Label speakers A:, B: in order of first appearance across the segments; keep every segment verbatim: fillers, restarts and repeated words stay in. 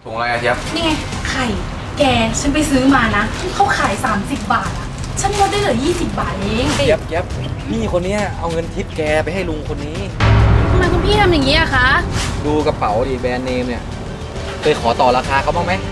A: ถุงอะไรอะเทียบ
B: นี่ไงไข่แกฉันไปซื้อมานะเขาขายสามสิบบาทอะฉันลดได้เหลือยี่สิบบาทเอง
A: เทียบเทียบพี่คนนี้เอาเงินทิปแกไปให้ลุงคนนี้
B: ทำไมคุณพี่ทำอย่างนี้อะคะ
A: ดูกระเป๋าดิแบรนด์เนมเนี่ยเคยขอต่อราคาเขาบ้างไหม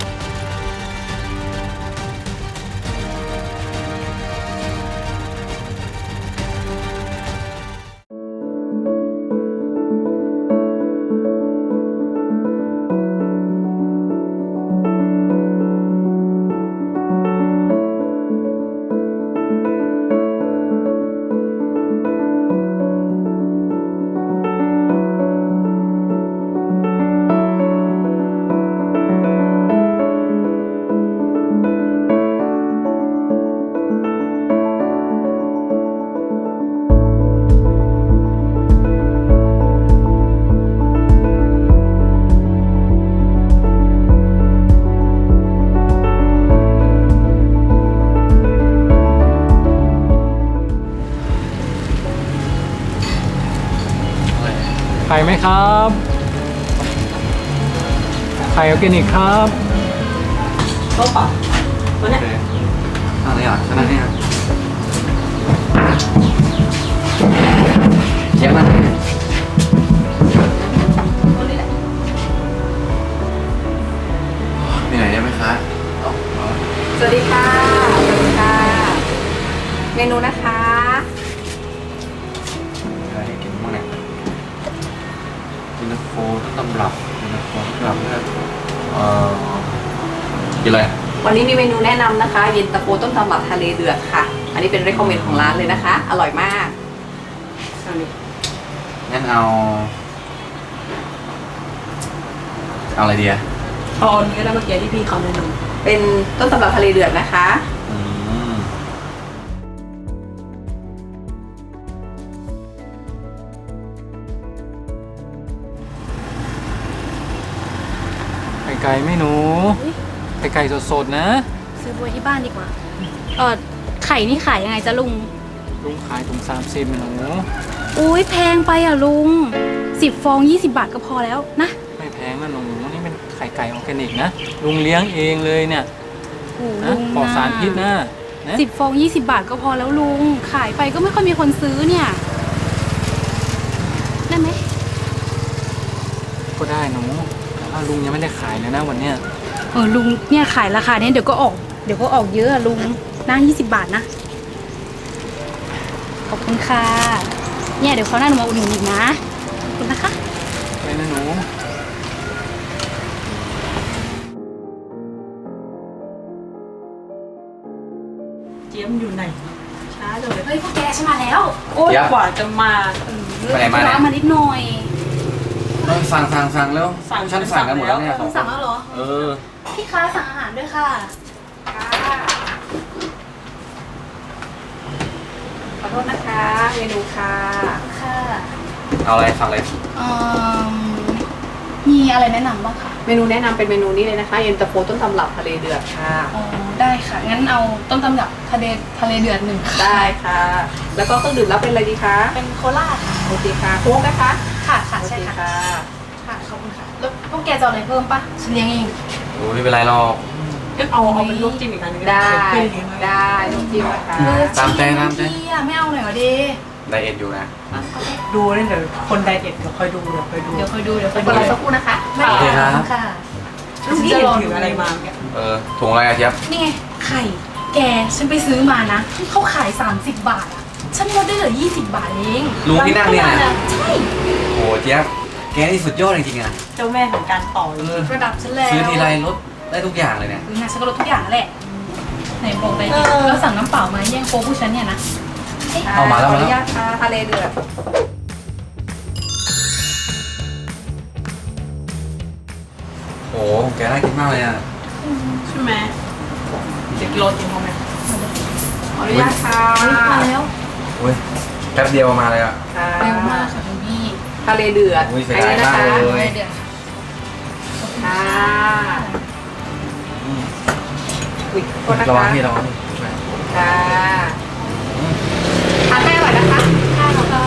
C: ไข่ไหมครับไข่ออร์แกนิกครับ
D: โต๊ะป่ะตัวเนี้ย
A: อะไรอ่ะชนะเนี่ยเทียบนะมีไหนได้ไหมคะ
D: สวัสดีค่ะสวัสดีค่ะเมนูนะคะ
A: อะไรให้กินบ้างเนี่ยยินโฟต้นตำรับยินโฟต้นตำรับเนี่ยเอ่อกินอะไร
D: วันนี้มีเมนูแนะนำนะคะเย็นตาโฟต้มตำรับทะเลเดือดค่ะอันนี้เป็นเรคคอมเมนต์ของร้านเลยนะคะอร่อยมาก
A: งั้นเอาเอาอะไรดีอะ
D: เอาเนื้อแล้วเมื่อกี้ที่พี่เขาแนะนำเป็นต้มตำรับทะเลเดือดนะคะ
A: อืม
C: ไข่ไก่ไหม่หนูไข่ไก่สดๆนะ
B: ซื้อบัวที่บ้านดีกว่าเออไข่นี่ขายยังไงจ๊ะลุง
C: ลุงขายถุงสามสิบหนู
B: อุ้ยแพงไปอ่ะลุงสิบฟองยี่สิบบาทก็พอแล้วนะ
C: ไม่แพงนะหนูนี่เป็นไข่ไก่ออร์แกนิกนะลุงเลี้ยงเองเลยเนี่ยนะปลอดสารพิษนะ
B: สิบฟองยี่สิบบาทก็พอแล้วลุงขายไปก็ไม่ค่อยมีคนซื้อเนี่ยได้ไหม
C: ก็ได้หนูแต่ว่าลุงยังไม่ได้ขายเลยนะวันเนี้ย
B: เออลุงเนี่ยขายราคาเนี้ยเดี๋ยวก็ออกเดี๋ยวก็ออกเยอะอะลุงนั่งยี่สิบบาทนะขอบคุณค่ะเนี่ยเดี๋ยวเขาหน้าหนูมาอุดหนุนอีกนะขอบคุณนะคะ
C: ไปนะหนู
D: เจี๊ยมอยู่ไหนช้าเลย
B: เฮ้ยพวกแกฉันมาแล้ว
D: โอ้ยกว่าจะมา
A: ไปไหนมาเนี่ย
B: มานิดหน่อย
A: สั่งสั่งสั่งแล้วฉันสั่งกันหมดแล้วเนี่ย
B: คุณสั่งแล้วเหรอ
A: เออ
B: พี่ค้าสั่งอาหารด้วยค่ะ
D: ขอโทษนะคะเมนูค่ะ
B: ค่ะ
A: เอาอะไรสั่งเลย
B: อืมมีอะไรแนะนำบ้างคะ
D: เมนูแนะนำเป็นเมนูนี้เลยนะคะเย็นตาโฟต้มตำรับทะเลเดือดค่ะ
B: อ๋อได้ค่ะงั้นเอาต้มตำรับทะเลทะเลเดือดหนึ่ง
D: ได้ค่ะแล้วก็เครื่องดื่มรับเป็นอะไรดีคะ
B: เป็นโคลาค่ะ
D: โอเคค่ะโค้กนะคะ
B: ค่ะค่ะใช่ค่ะค่ะขอบคุณค่ะแล้วพวกแกจะเอาอะไรเพิ่มปะฉันเลี้ยงเอง
A: โอ้ไม่เป็นไรหรอก
D: ก็เอาเอาเป็นลูกจิ้มอีกอันนึงได้ได้ลูกจิ้มนะคะ
A: ตามใจตามใจ
B: ไม่เอาหน่อยเหรอดี
A: ไดเอทอยู่นะ
D: ดูนี่เดี๋ยวคนไดเอทเดี๋ยวคอยดูเดี๋ยวคอยดู
B: เดี๋ยวคอยดูเดี๋ยวคอย
D: ดูรอสักครู่นะคะ
A: โอเคครับ
B: ค่ะ
D: ลูกนี่จะถืออะไรมา
A: เออถุงอะไรอะเทียบ
B: นี่ไงไข่แกฉันไปซื้อมานะเขาขายสามสิบบาทอะฉันลดได้เหลือยี่สิบบาทเอง
A: ลุงที่นั่งเนี่ยนะ
B: ใช่
A: โอ้เทียบแกนี่สุดยอดจริงๆอะ
D: เจ้าแม่ของการต่อ
B: ระดับฉันแล้ว
A: ซื้อทีไรลดได้ทุกอย่างเลยเนี่ย
B: คือไงฉันก็ลดทุกอย่างแหละไหนบอกไปแล้วสั่งน้ำเปล่ามาแย่งโค้กผู้ฉันเนี่ยนะ
A: เอามาแล้วมาแล้ว
D: ทะเลเดือด
A: โอ้แกน่ากินมากเลยอ่ะ
D: ใช่ไหมเด็กโรกินเขาไหมขออนุญาตค่ะ
B: มาแล้ว
A: โอ้ยแป๊บเดียวมาเลยอ่ะ
B: เร็วมากค่ะคุณพี่
D: ทะเลเดือด
A: อุ้ยเสียดายมากเลย
D: ค่ะอุ้ยโทษนะคะ
A: ระวังพี่ระวัง
D: ค่ะทานได้อร่อยนะคะ
B: ค่ะค่ะ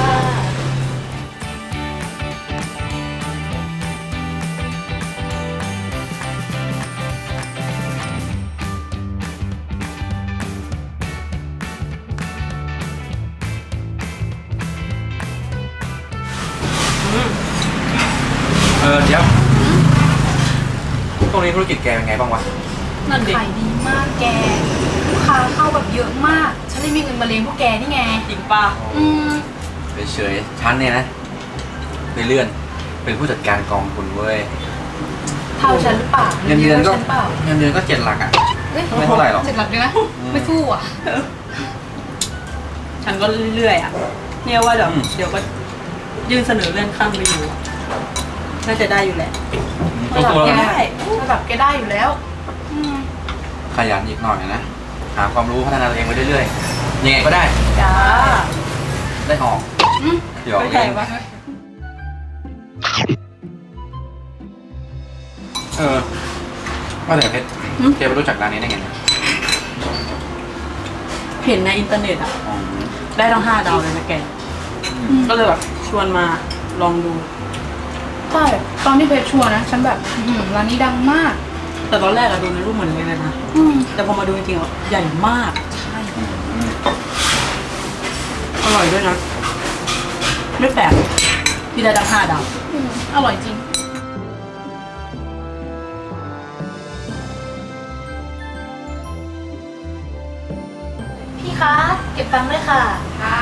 A: ตรงนี้ธุรกิจแกเป็นไงบ้างวะ
C: นั่นดิ
B: ขายดีมากแก ลูกค้าเข้าแบบเยอะมาก ฉันเลยมีเงินมาเลี้ยงพวกแกนี่ไง
C: จริงป่ะ
B: อืม
A: เฉยๆฉันเนี่ยนะไปเลื่อนเป็นผู้จัดการกองทุนเว้ย
B: เท่าฉันหรือเปล่า
A: เงินเดือนก็
B: ฉันเปล่า
A: เงินเดือนก็เจ็ดหลักอ่ะ
B: เอ้ย
A: ไม่เท่าไหร่หรอก
B: เจ็ดหลักเลยนะ ไม่สู้อ่ะ
E: ฉันก็เรื่อยๆอ่ะ เนี่ยว่าเดี๋ยว
A: อืม
E: เดี๋ยวก็ยื่นเสนอเลื่อนขั้นไปอยู่อะน่าจะได้อยู่แหละ
A: ตัวตัว
B: แก
A: แล้ว
B: ได้ระดับแกได้อยู่แล้ว อืม
A: ขยันอีกหน่อยนะ หาความรู้พัฒนาตัวเองไปเรื่อยๆ ยังไงก็ได้
E: จ้า
A: ได้ออก
B: อืม
A: เดี๋ยว
E: ไม่
A: เอ
E: ใช่
A: ง
E: ปะ
A: เออว่าแต่เพชรแกไปรู้จักร้านนี้ได้ไงเนี่ย
E: เห็นในอินเทอร์เน็ตอ่ะ
A: อ๋อ
E: ได้ทั้งห้าดาวเลยนะแก
A: อืม
E: ก็เลยแบบชวนมาลองดู
B: ใช่ ตอนที่เพชรชวนนะ ฉันแบบอื้อหือร้านนี้ดังมาก
E: แต่ตอนแรกอะดูในรูปเหมือนเลยนะ
B: อืม
E: แต่พอมาดูจริงๆอ่ะใหญ่มาก
A: อืม
E: อร่อยด้วยนะ ไม่แปลกที่ได้ทั้งห้าดาว
B: อืมอร่อยจริง พี่คะ เก็บตังค์ด้วยค่ะ
D: ค่ะ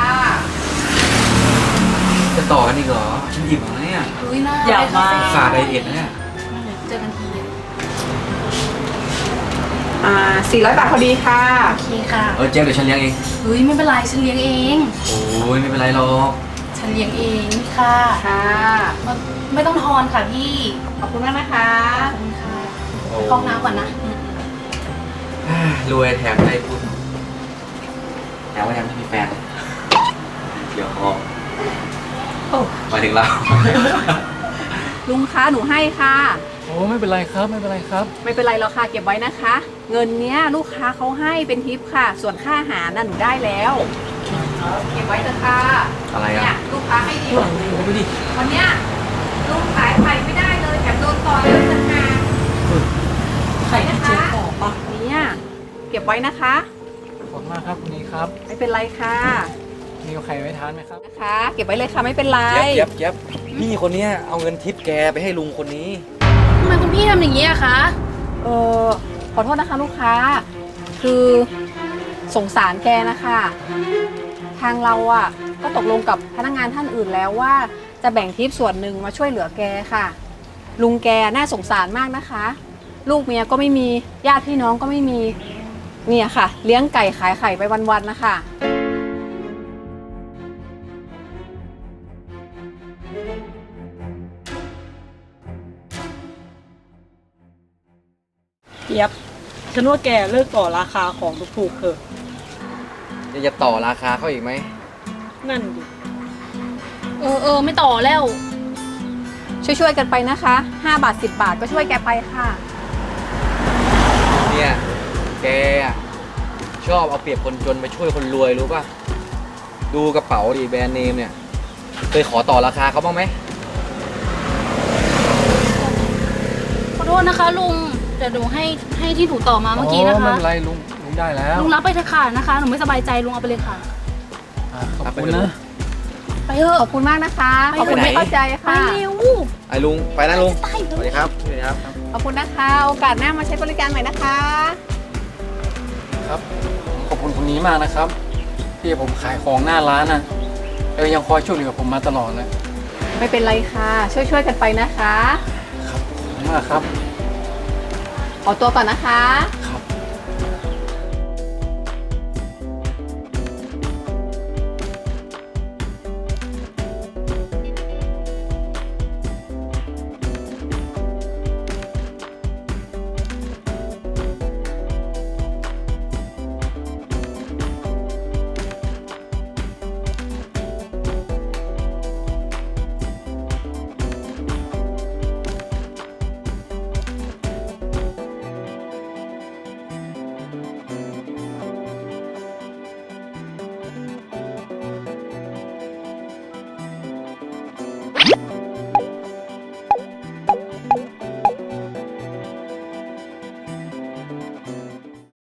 A: จะต่อกันอีกเหรอ ฉันหยิบมาเนี่ย
B: อุ้ยน่า
E: อยากมา
A: ฝาไดเอทนะเนี่ย
B: เจอกันที
D: อ่าสี่ร้อยบาทพอดีค่ะ
B: โอเคค่ะ
A: เออเจ๊เดี๋ยวฉันเลี้ยงเอง
B: เฮ้ยไม่เป็นไร ฉันเลี้ยงเอง
A: โอ้ยไม่เป็นไรหรอก
B: ฉันเลี้ยงเองนี่ค่ะ
D: ค่ะ
B: ไม่ไม่ต้องทอนค่ะพี่
D: ขอบคุณมากนะคะ
B: ขอบคุณค่ะ
A: โอ้
B: เข้าห้องน้ำก่อนนะ
A: รวยแถมได้พูดแถมว่าแถมไม่มีแฟน เดี๋ยวพอ
D: โอ้
A: มาถึงเรา
D: ลุงคะหนูให้ค่ะ
C: โอ้ไม่เป็นไรครับไม่เป็นไรครับ
D: ไม่เป็นไรหรอกค่ะ เก็บไว้นะคะ เงินเนี้ยลูกค้าเขาให้เป็นทิปค่ะ ส่วนค่าอาหารน่ะหนูได้แล้ว เก็บไว้เถอะค่ะ
A: อะไร
D: เนี่
A: อ่ะ
D: ยลูกค้าให้ดี
C: โอ้โหดูดิ
D: วันเนี้ยลูกขายไข่ไม่ได้เลยแถมโดนต่อยเลยนะคะ
E: ไข่ที่เจ๊บอกปะ
D: เนี่ยเก็บไว้นะคะ
C: ขอบคุณมากครับคุณนี้ครับ
D: ไม่เป็นไรค่ะ
C: มีไข่ไว้ทานไหมครับ
D: นะคะ เก็บไว้เลยค่ะไม่เป็นไร
A: เย็บเย็บเย็บพี่คนเนี้ยเอาเงินทิปแกไปให้ลุงคนนี้
B: ทำไมคุณพี่ทำอย่างนี้อะคะ
D: เออขอโทษนะคะลูกค้า คือสงสารแกนะคะ ทางเราอ่ะก็ตกลงกับพนักงานท่านอื่นแล้วว่าจะแบ่งทิปส่วนหนึ่งมาช่วยเหลือแกค่ะ ลุงแกน่าสงสารมากนะคะ ลูกเมียก็ไม่มีญาติพี่น้องก็ไม่มีเนี่ยค่ะ เลี้ยงไก่ขายไข่ไปวันๆนะคะ
E: เจี๊ยบฉันว่าแกเลิกต่อราคาของถูกๆเถอะ
A: จะต่อราคาเขาอีกไหม
E: นั่นดิ
B: เออเออไม่ต่อแล้ว
D: ช่วยๆกันไปนะคะห้าบาทสิบบาทก็ช่วยแกไปค่ะ
A: เนี่ย แกอะชอบเอาเปรียบคนจนไปช่วยคนรวยรู้ป่ะ ดูกระเป๋าดิแบรนด์เนมเนี่ย เคยขอต่อราคาเขาบ้างไหม
B: ขอโทษนะคะลุงเดี๋ยวหนูให้ให้ที่หนูต่อมาเมื่อกี้นะ
C: ไม่
B: คะ
C: เป็นไรลุงลุงได้แล้ว
B: ลุงรับไปเถอะค่ะนะคะ หนูไม่สบายใจลุงเอาไปเลยค่ะ
C: อ่ะขอบคุณนะ
B: ไปเถอะ
D: ขอบคุณมากนะคะ
B: ไป
D: ขอบคุณ
B: ไหน
D: ที่เข้าใจ
B: ไป
D: ค่ะ
B: เร็ว
A: ไอ้ลุง ไปนะลุง
B: ไป
A: สวัสดีครับสวัสดีครับ
D: ขอบคุณนะคะ โอกาสหน้ามาใช้บริการใหม่นะคะ
C: ครับขอบคุณคนนี้มากนะครับ ที่ผมขายของหน้าร้านน่ะเออยังคอยช่วยเหลือผมมาตลอดเลย
D: ไม่เป็นไรค่ะ ช่วยๆกันไปนะคะ
C: ครับขอบคุณมากครับ
D: ขอตัวก่อนนะคะ